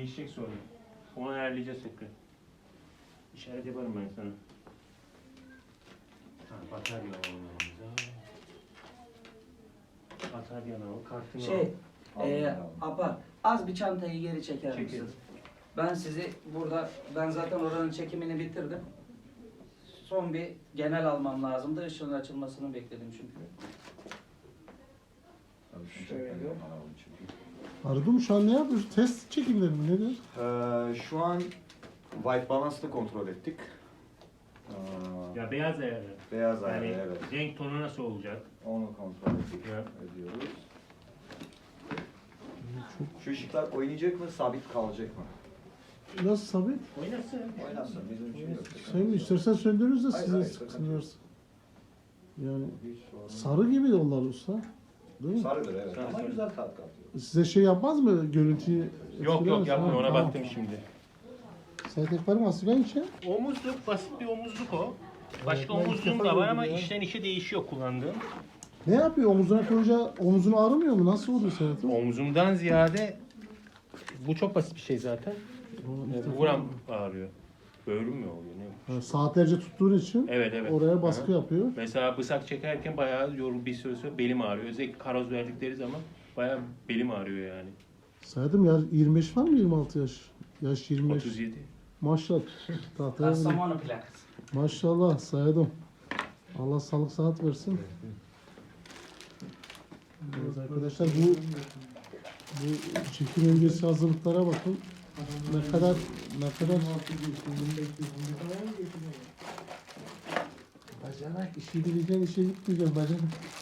değişecek sonra. Onu ayarlayacağız tekrar. İşaret yaparım ben sana. Ha, batarya alalım. Batarya alalım. Kartını alalım. Apa az bir çantayı geri çeker misin? Çekelim. Ben sizi burada, ben zaten oranın çekimini bitirdim. Son bir genel almam lazımdı. Işığın açılmasını bekledim çünkü. Şöyle. Arıdum şu an ne yapıyorsun? Test çekimleri mi? Nedir? Şu an white balance'ı kontrol ettik. Ya beyaz ayarı. Beyaz ayarı, Yani evet. renk tonu nasıl olacak? Onu kontrol ettik. Ya. Ediyoruz. Şu ışıklar oynayacak mı, sabit kalacak mı? Nasıl sabit? Oynasın. Oynasın, bizim için yok. Sen istersen söndürürüz de Hayır, size hayır, sıkıntı. Yani Hiç sorun sarı gibi yollar usta. Değil mi? Sarıdır evet. Sarı, Ama sarı. güzel tat katıyor. Size şey yapmaz mı? Görüntüyü Yok etkiler mi? yapmıyor. Ona Tamam. baktım şimdi. Sen tek var mı? Aslen içe? Omuzluk, basit bir omuzluk o. Başka Evet, ben omuzluğum ilk da defa var ama gördüm ya. işten işe değişiyor kullandığım. Ne yapıyor? Omuzuna koyunca omuzun ağrımıyor mu? Nasıl oluyor Serhat'ım? Omzumdan ziyade bu çok basit bir şey zaten. Buram ağrıyor. Böğrüm mü oluyor ne? Ha, saatlerce tuttuğun için Evet evet. oraya baskı Aha. yapıyor. Mesela bıçak çekerken bayağı bir süre sonra belim ağrıyor. Özellikle karoz verdikleri zaman bayağı belim ağrıyor yani. Serhat'ım ya 25 var mı 26 yaş? Yaş 25. 37. Maşallah. Tahtaya bile. Kastamonu plakası. Maşallah saydım. Allah sağlık sıhhat versin. Evet arkadaşlar bu çekim öncesi hazırlıklara bakın. Ne kadar bacanak işi bileceğin işe gitmeyeceğim bacanak.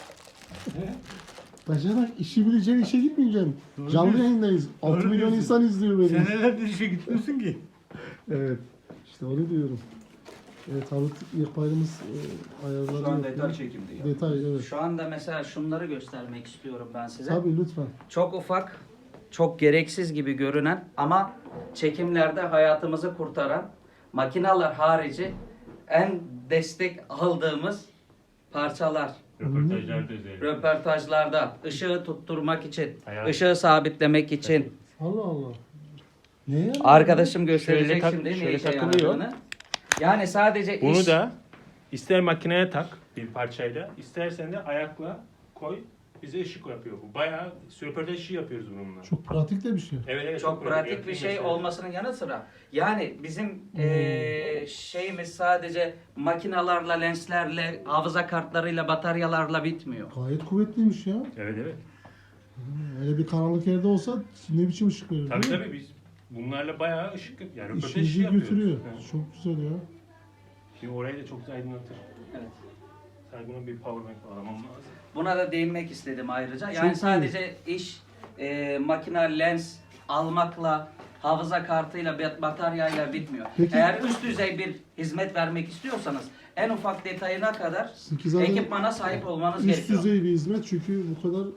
Bacanak işi bileceğin işe gitmeyeceğim. Canlı yayındayız. 6 milyon insan izliyor beni. Senelerdir işe gitmiyorsun ki. Evet. İşte onu diyorum. Evet Halit İhbarımız ayarları Şu an yapıyor. detay çekimdi ya. Detay evet. Şu anda mesela şunları göstermek istiyorum ben size. Tabii lütfen. Çok ufak, çok gereksiz gibi görünen ama çekimlerde hayatımızı kurtaran makinalar harici en destek aldığımız parçalar. Röportajlarda özellikle. Röportajlarda ışığı tutturmak için, Hayat. ışığı sabitlemek için. Allah Allah. Ne yani? Arkadaşım gösterecek Şöyle şimdi ne şöyle işe takılıyor. yaradığını. Yani sadece Bunu iş... da ister makineye tak bir parçayla, istersen de ayakla koy. Bize ışık yapıyor bu. Bayağı röportaj işi yapıyoruz bununla. Çok pratik de bir şey. Evet, evet, Çok pratik bir şey Mesela. olmasının yanı sıra yani bizim şeyimiz sadece makinalarla, lenslerle, hafıza kartlarıyla, bataryalarla bitmiyor. Gayet kuvvetliymiş ya. Evet evet. Öyle bir karanlık yerde olsa ne biçim ışık verir Tabii değil mi? tabii biz bunlarla bayağı ışık yani röportaj işi İşinizi yapıyoruz. götürüyor. Evet. Çok güzel ya. Şimdi orayı da çok aydınlatır. Evet. Sadece buna bir power bank bağlamam lazım. Buna da değinmek istedim ayrıca. Çok Yani iyi. sadece iş makina, lens almakla, hafıza kartıyla, bataryayla bitmiyor. Peki- Eğer üst düzey bir hizmet vermek istiyorsanız en ufak detayına kadar Çünkü zaten ekipmana sahip olmanız üst gerekiyor. düzey bir hizmet çünkü bu kadar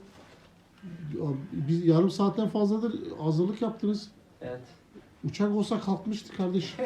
biz yarım saatten fazladır hazırlık yaptınız. Evet. Uçak olsa kalkmıştı kardeşim.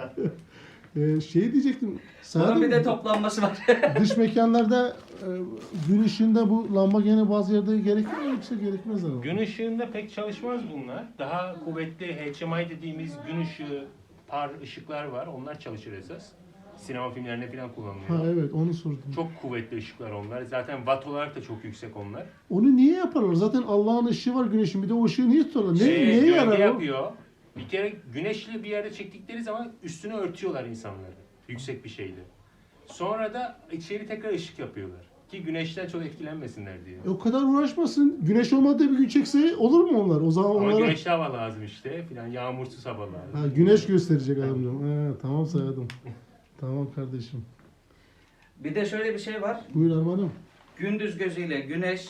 Şey diyecektim. Bunun Serhat'ım, bir de toplanması var. dış mekanlarda gün ışığında bu lamba gene bazı yerde gerekir mi yoksa gerekmez herhalde? Gün ışığında pek çalışmaz bunlar. Daha kuvvetli HMI dediğimiz gün ışığı par ışıklar var. Onlar çalışır esas. Sinema filmlerinde falan kullanılıyor. Ha evet onu sordum. Çok kuvvetli ışıklar onlar. Zaten watt olarak da çok yüksek onlar. Onu niye yaparlar? Zaten Allah'ın ışığı var güneşin. Bir de o ışığı niye tutarlar? Neye Gölge yarar o? yapıyor. Bir kere güneşli bir yerde çektikleri zaman üstünü örtüyorlar insanları. Yüksek bir şeyle. Sonra da içeri tekrar ışık yapıyorlar. Ki güneşten çok etkilenmesinler diye. O kadar uğraşmasın. Güneş olmadığı bir gün çekse olur mu onlar? O zaman Ama onlara... güneşli hava lazım işte filan. Yağmursuz hava lazım. Ha, güneş gösterecek adam diyorum. Ha, tamam saydım. Tamam kardeşim. Bir de şöyle bir şey var. Buyur Arman'ım. Gündüz gözüyle güneş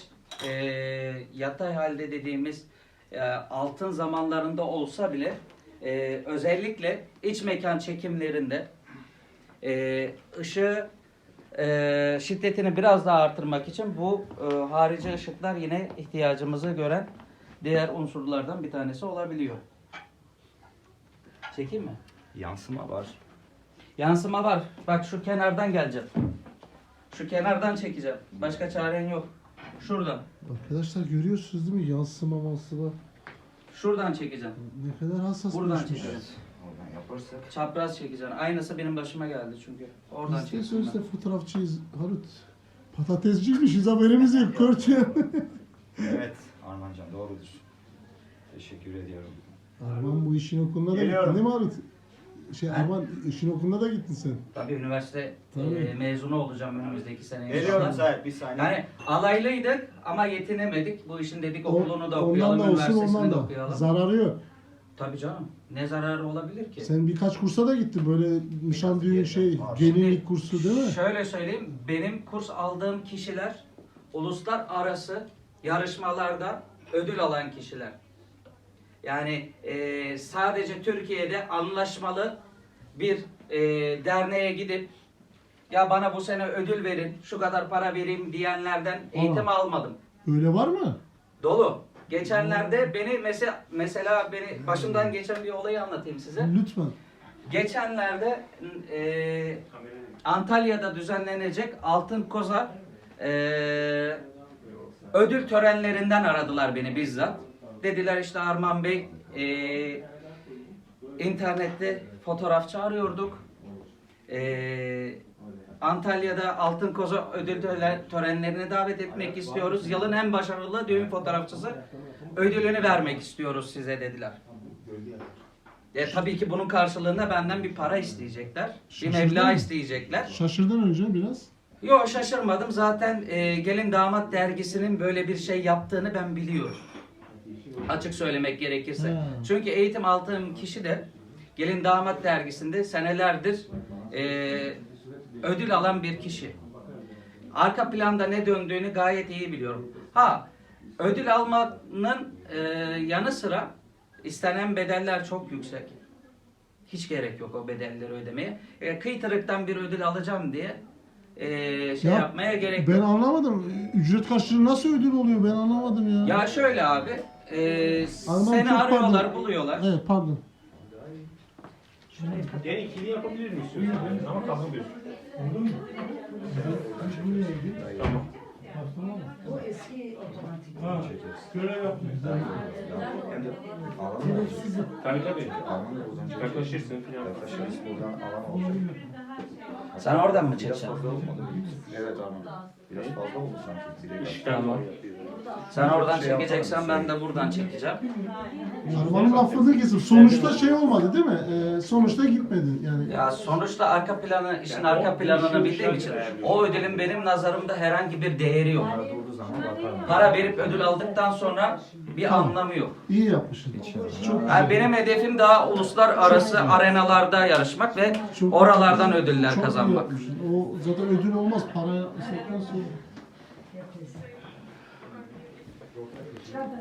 yatay halde dediğimiz altın zamanlarında olsa bile özellikle iç mekan çekimlerinde ışığı şiddetini biraz daha artırmak için bu harici ışıklar yine ihtiyacımızı gören diğer unsurlardan bir tanesi olabiliyor. Çekeyim mi? Yansıma var. Yansıma var. Bak şu kenardan geleceğim. Şu kenardan çekeceğim. Başka çaren yok. Şuradan. Arkadaşlar görüyorsunuz değil mi? Yansıma. Şuradan çekeceğim. Ne kadar hassas Buradan bir işmiş. çekeceğim. Oradan yaparsak. Çapraz çekeceğim. Aynısı benim başıma geldi çünkü. Oradan Biz de çekeceğim. sözde fotoğrafçıyız. Harut. Patatesciymişiz haberimiz yok. Körçe. Evet Armancan doğrudur. Teşekkür ediyorum. Arman bu işin okuluna da Geliyorum. gittin değil mi Harut? Arman işin okuluna da gittin sen. Tabii üniversite Tabii. Mezunu olacağım önümüzdeki sene. Geliyorum inşallah. Sait bir saniye. Yani alaylıydık ama yetinemedik. Bu işin dedik okulunu da Ondan okuyalım, da olsun üniversitesini ondan de da. okuyalım. Zararı yok. Tabii canım. Ne zararı olabilir ki? Sen birkaç kursa da gittin böyle nişan düğün gelinlik kursu değil mi? Şöyle söyleyeyim, benim kurs aldığım kişiler uluslararası yarışmalarda ödül alan kişiler. Yani sadece Türkiye'de anlaşmalı bir derneğe gidip ya bana bu sene ödül verin, şu kadar para vereyim diyenlerden eğitim almadım. Öyle var mı? Dolu. Geçenlerde beni mesela beni başımdan geçen bir olayı anlatayım size. Lütfen. Geçenlerde Antalya'da düzenlenecek Altın Koza ödül törenlerinden aradılar beni bizzat. Dediler işte Arman Bey internette fotoğrafçı arıyorduk. Antalya'da Altın Koza ödül törenlerine davet etmek istiyoruz. Yılın en başarılı düğün fotoğrafçısı ödülünü vermek istiyoruz size dediler. Tabii ki bunun karşılığında benden bir para isteyecekler. Bir Şaşırdın meblağ mı? isteyecekler. Şaşırdın önce biraz. Yok şaşırmadım. Zaten Gelin Damat dergisinin böyle bir şey yaptığını ben biliyorum. Açık söylemek gerekirse. Ha. Çünkü eğitim aldığım kişi de Gelin Damat dergisinde senelerdir ödül alan bir kişi. Arka planda ne döndüğünü gayet iyi biliyorum. Ödül almanın yanı sıra istenen bedeller çok yüksek. Hiç gerek yok o bedelleri ödemeye. Kıytırıktan bir ödül alacağım diye Ya, yapmaya gerek Ben yok. anlamadım. Ücret karşılığı nasıl ödül oluyor ben anlamadım ya. Ya şöyle abi, Arman, seni çok arıyorlar, pardon. buluyorlar. Evet pardon. Yani ikili yapabilir miyiz istiyorsan? Ama kalkamıyorsun. Tamam. O eski otomatik. Görev yapmıyor. Hem de alan mı olacak? Tabii. Alan da uzanacak. Yaklaşırsın falan. Yaklaşırız buradan alan olacak. Sen oradan mı Biraz çekeceksin? fazla olmadı mı? Evet Arman. Biraz fazla oldu sanki. Direkt. İşten var yapıyor. Sen oradan Şey çekeceksen yapalım, ben de buradan çekeceğim. Arman'ın lafını kesip sonuçta şey olmadı değil mi? Sonuçta gitmedin yani. Ya sonuçta arka planı, işin arka planını bildiğim için o ödülün benim nazarımda herhangi bir değeri yok. Durduğu zaman bakarım. Para verip ödül aldıktan sonra bir Tamam. anlamı yok. İyi yapmışsın. Çok Yani benim hedefim daha uluslararası arenalarda yarışmak ve Çok- oralardan ödüller çok iyi kazanmak. yapmışsın. O zaten ödül olmaz. Para istekten sonra.